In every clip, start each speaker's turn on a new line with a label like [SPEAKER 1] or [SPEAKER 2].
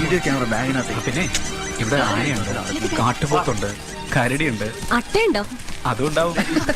[SPEAKER 1] Video camera ബാഗിനകത്ത്.
[SPEAKER 2] പിന്നെ ഇവിടെ ആനയുണ്ട്, കാട്ടുപോത്തുണ്ട്, കരടിയുണ്ട്.
[SPEAKER 3] അട്ടയുണ്ടോ?
[SPEAKER 2] അതുണ്ടാവും.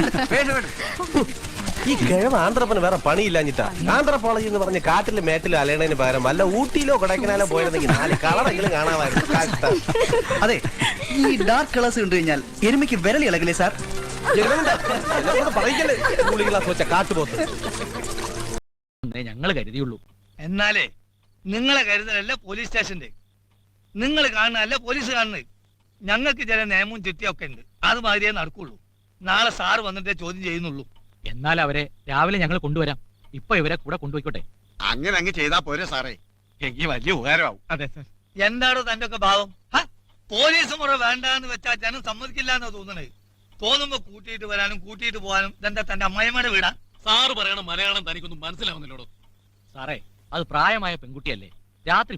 [SPEAKER 4] ഈ കിഴവ് ആന്ധ്രപ്പന് വേറെ പണിയില്ലാഞ്ഞിട്ടാ. ആന്ധ്രപ്പോളജി എന്ന് പറഞ്ഞ് കാട്ടിലും മേട്ടിലും അലയണതിന് പകരം വല്ല ഊട്ടിയിലോ കൊടൈക്കനാലോ പോയിരുന്നെങ്കിൽ 4 കളറെങ്കിലും കാണാമായിരുന്നു.
[SPEAKER 1] അതെ, ഈ ഡാർക്ക് കളേഴ്സ് കണ്ടു കഴിഞ്ഞാൽ എരുമയ്ക്ക് വിരളി ഇളകില്ലേ സാർ?
[SPEAKER 4] പറയിക്കല്ലേ ക്ലാസ് വെച്ച കാട്ടുപോത്ത്.
[SPEAKER 5] ഞങ്ങള് കരുതിയുള്ളൂ.
[SPEAKER 6] എന്നാലേ നിങ്ങളെ കരുതലല്ല പോലീസ് സ്റ്റേഷന്റെ, നിങ്ങൾ കാണുന്നതല്ല പോലീസ് കാണുന്നത്. ഞങ്ങൾക്ക് ചില നിയമവും ചുറ്റിയൊക്കെ ഉണ്ട്, അത് മാതിരിയേ നടക്കുള്ളൂ. നാളെ സാറ് വന്നിട്ടേ ചോദ്യം ചെയ്യുന്നുള്ളൂ.
[SPEAKER 5] എന്നാൽ അവരെ രാവിലെ ഞങ്ങൾ കൊണ്ടുവരാം. ഇപ്പൊ ഇവരെ കൂടെ കൊണ്ടുപോയിക്കോട്ടെ.
[SPEAKER 7] അങ്ങനെ അങ്ങ് ചെയ്താ പോരെ സാറേ, എനിക്ക് വലിയ ഉപകാരമാവും.
[SPEAKER 6] അതെ സാർ. എന്താണോ തന്റെ ഒക്കെ ഭാവം? പോലീസ് മുറ വേണ്ടാന്ന് വെച്ചാൽ ജനം സമ്മതിക്കില്ല എന്നോ തോന്നണേ. തോന്നുമ്പോ കൂട്ടിയിട്ട് വരാനും കൂട്ടിയിട്ട് പോകാനും തന്റെ അമ്മായിമാരുടെ വീടാ.
[SPEAKER 8] സാറ് പറയണ മലയാളം തനിക്കൊന്നും മനസ്സിലാവുന്നില്ലോടോ.
[SPEAKER 5] സാറേ, അത് പ്രായമായ പെൺകുട്ടിയല്ലേ, രാത്രി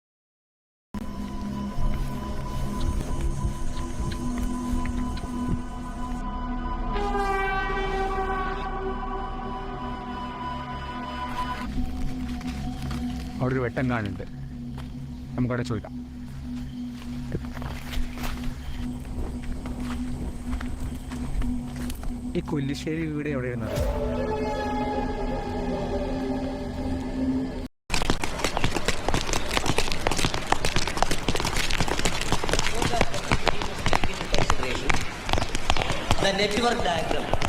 [SPEAKER 2] അവിടെ ഒരു വെട്ടം കാണുന്നുണ്ട്, നമുക്കവിടെ ചോദിക്കാം. ഈ കൊല്ലിശ്ശേരി വീട് എവിടെയായിരുന്നത്?
[SPEAKER 9] The network diagram